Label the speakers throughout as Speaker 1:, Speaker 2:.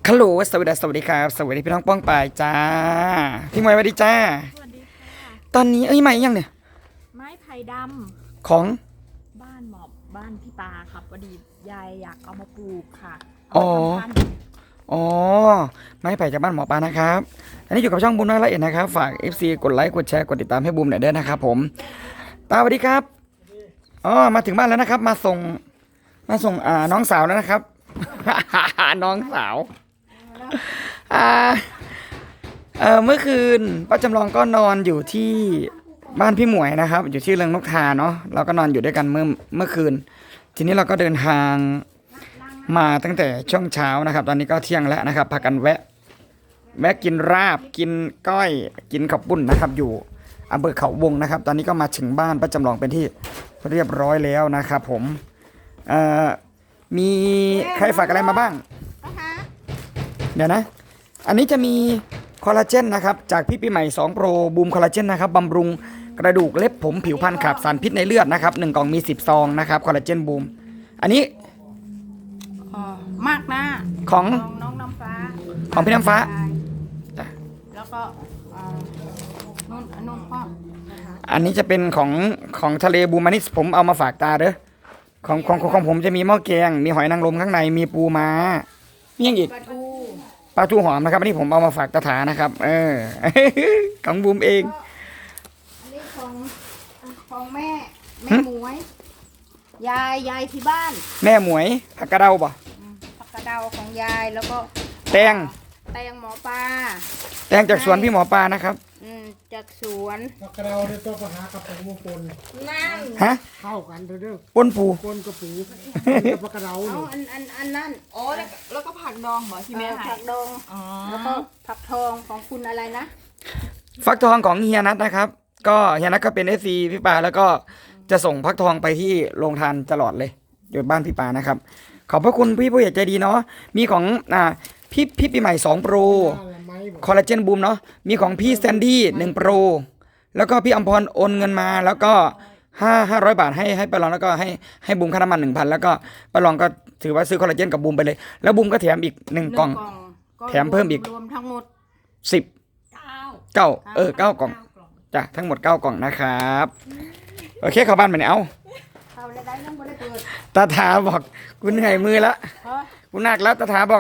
Speaker 1: ฮัลโหลสวัสดีครับสวัสดีพี่น้องป้องปายจ้าพี่มวยสวัสดีจ้า
Speaker 2: สวัสดีค่ะ
Speaker 1: ตอนนี้ใหม่ยังเนี่ย
Speaker 2: ไม้ไผ่ด
Speaker 1: ของ
Speaker 2: ำบ้านหมอบบ้านพี่ปาครับพอดียายอยากเอามาปลูกค่ะ
Speaker 1: อ๋อ
Speaker 2: เอามาทำพันธุ์
Speaker 1: อ๋อไม้ไผ่จากบ้านหมอปลานะครับอันนี้อยู่กับช่องบูมน้อยละเอียดนะครับฝาก FC กดไลค์กดแชร์กดติดตามให้บูมหน่อยด้วยนะครับผมตาสวัสดีครับอ๋อมาถึงบ้านแล้วนะครับมาส่งน้องสาวแล้วนะครับ น้องสาวอ่าเมื่อคืนป้าจำลองก็นอนอยู่ที่บ้านพี่หมวยนะครับอยู่ที่เรืองนกทาเนาะเราก็นอนอยู่ด้วยกันเมื่อคืนทีนี้เราก็เดินทางมาตั้งแต่ช่วงเช้านะครับตอนนี้ก็เที่ยงแล้วนะครับพากันแวะกินราบกินก้อยกินข้าวปุ้นนะครับอยู่อำเภอเขาวงนะครับตอนนี้ก็มาถึงบ้านป้าจำลองเป็นที่เรียบร้อยแล้วนะครับผมมีใครฝากอะไรมาบ้างเดี๋ยวนะอันนี้จะมีคอลลาเจนนะครับจากพี่ปีใหม่2 โปรบูมคอลลาเจนนะครับบำรุงกระดูกเล็บผมผิวพรรณขับสารพิษในเลือดนะครับ1 กล่องมี10 ซองนะครับคอลลาเจนบูมอันนี้
Speaker 2: มากนะ
Speaker 1: ของ
Speaker 2: น้องน้ำฟ้า
Speaker 1: ของพี่น้ำฟ้า
Speaker 2: แล้วก็นุ่นพ่อ
Speaker 1: อันนี้จะเป็นของทะเลบูมอันนี้ผมเอามาฝากตาเด้อของผมจะมีหม้อแกงมีหอยนางรมข้างในมีปูม้ามีอย่างอีกปลาทูหอมนะครับอันนี้ผมเอามาฝากตาถานะครับของบูมเอง
Speaker 2: อันนี้ของแม่หมวยยายที่บ้าน
Speaker 1: แม่หมวยผักกระเดาป่ะ
Speaker 2: ผักกระเดาของยายแล้วก็
Speaker 1: แตง
Speaker 2: หมอปลา
Speaker 1: แตงจากสวนพี่หมอปลานะครับ
Speaker 2: จากสวน
Speaker 3: ผักกระเดาเนี่ยต้องไปหากับปูปน
Speaker 2: นั่น
Speaker 1: ฮะ
Speaker 3: เข้ากันเด้อ
Speaker 1: ปนปู
Speaker 3: ปนกับปูกับผักกระเดา
Speaker 2: อันนั้น
Speaker 4: อ๋อแล้วก็ผักดองเหรอที่แม่
Speaker 2: ผักดองแล้วก็ผักทองของคุณอะไรนะ
Speaker 1: ฟักทองของเฮียนัทนะครับก็เฮียนัทก็เป็นFCพี่ปาแล้วก็จะส่งฟักทองไปที่โรงทานตลอดเลยอยู่บ้านพี่ปานะครับขอบพระคุณพี่ผู้ใหญ่ใจดีเนาะมีของพี่ปีใหม่2 โปรคอลลาเจนบูมเนาะมีของพี่แซนดี้1 โปรแล้วก็พี่อมพรโอนเงินมาแล้วก็500 บาทให้ปาลองแล้วก็ให้บูมค่าน้ำมัน 1,000แล้วก็ปาลองก็ถือว่าซื้อคอลลาเจนกับบูมไปเลยแล้วบูมก็แถมอีก1 กล่องแถมเพิ่มอีก
Speaker 2: รวมทั้งหมด
Speaker 1: 9 กล่องจ้ะทั้งหมด9 กล่องนะครับโอเคเข้าบ้านไปเนี่ยเอาตาถาบอกกูเหนื่อยมือแล้วกูหนักแล้วตาถาบอก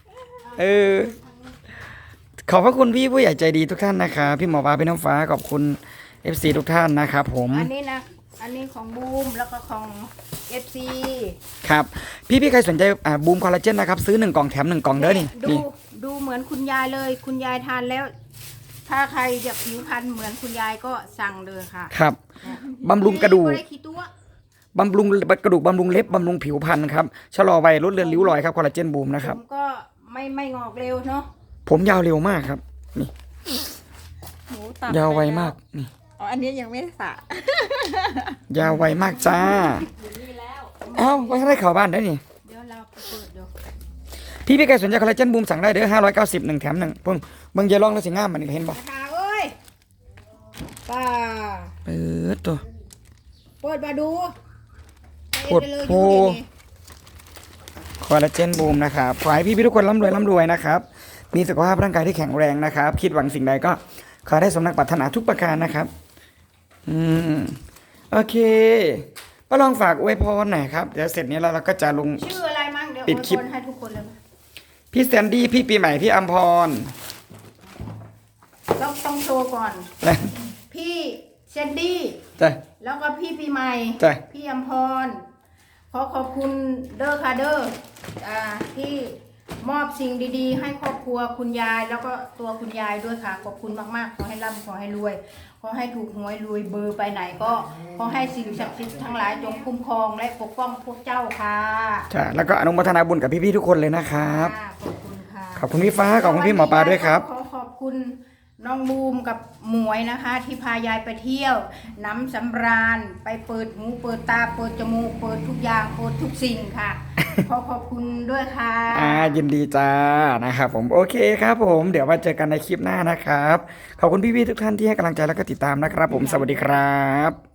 Speaker 1: ขอบพระคุณพี่ผู้ใหญ่ใจดีทุกท่านนะครับพี่หมอปลาพี่น้ำฟ้าขอบคุณ FC ทุกท่านนะครับผม
Speaker 2: อันนี้ของบูมแล้วก็ของ FC
Speaker 1: ครับพี่ใครสนใจบูมคอลลาเจนนะครับซื้อ1 กล่องแถม1 กล่องเด้อนี่
Speaker 2: ดูเหมือนคุณยายเลยคุณยายทานแล้วถ้าใครอยากผิวพรรณเหมือนคุณยายก็สั่งเลยค่ะ
Speaker 1: ครับบำรุงกระดูกบำรุงกระดูกบำรุงเล็บบำรุงผิวพรรณครับชะลอวัยลดเลือนริ้วรอยครับคอลลาเจนบูมนะครับ
Speaker 2: ผมก็ไม่งอกเร็วเนาะ
Speaker 1: ผมยาวเร็วมากครับนี่ยาวไวมากนี่
Speaker 4: อ๋ออันนี้ยังไม่ได้สระ
Speaker 1: ยาวไวมากจ้าเอ้าไว้ให้ข่าวบ้านได้นี่
Speaker 2: เดี๋ยวเราเปิดดู
Speaker 1: พี่ใครสนใจคอลลาเจนบูมสั่งได้เด้อ590 1 แถม 1เพิ่งเบิ่งเยลองแล้วสิงามมันเห็นบ่
Speaker 2: เอ้ยป้า
Speaker 1: เปิดตัว
Speaker 2: เปิดมาดู
Speaker 1: กดโพคอลลาเจนบูมนะครับขอให้พี่ทุกคนร่ำรวยนะครับมีสุขภาพร่างกายที่แข็งแรงนะครับคิดหวังสิ่งใดก็ขอได้สมนักปรารถนาทุกประการนะครับโอเคป้าลองฝากอวยพรหน่อยครับเดี๋ยวเสร็จนี้แล้วเราก็จะลง
Speaker 2: ชื่ออะไรมั่งเดี๋ยว
Speaker 1: ปิดคลิป
Speaker 2: ให้ทุกคนเลย
Speaker 1: พี่แซนดี้พี่ปีใหม่พี่อัมพร
Speaker 2: ต้องโชว์ก่อนพี่แซนดี้แล้วก็พี่ปีใหม่พี่อัมพรขอบคุณเด้อค่ะเด้อที่มอบสิ่งดีๆให้ครอบครัวคุณยายแล้วก็ตัวคุณยายด้วยค่ะขอบคุณมากๆขอให้ร่ำขอให้รวยขอให้ถูกหวยรวยเบอร์ไปไหนก็ขอให้สิ่งศักดิ์สิทธิ์ทั้งหลายจงคุ้มครองและปกป้องพวกเจ้าค่ะ
Speaker 1: จ้ะแล้วก็อนุโมทนาบุญกับพี่ๆทุกคนเลยนะครับ
Speaker 2: ขอบคุณค่ะ
Speaker 1: ขอบคุณพี่ฟ้าขอบคุณพี่หมอปลาด้วยครับ
Speaker 2: ขอบคุณน้องบูมกับหมวยนะคะที่พายายไปเที่ยวน้ำสำราญไปเปิดหูเปิดตาเปิดจมูกเปิดทุกอย่างเปิดทุกสิ่งค่ะขอบคุณด้วยค่ะ
Speaker 1: ยินดีจ้านะครับผมโอเคครับผมเดี๋ยวมาเจอกันในคลิปหน้านะครับขอบคุณพี่ๆทุกท่านที่ให้กำลังใจแล้วก็ติดตามนะครับผมสวัสดีครับ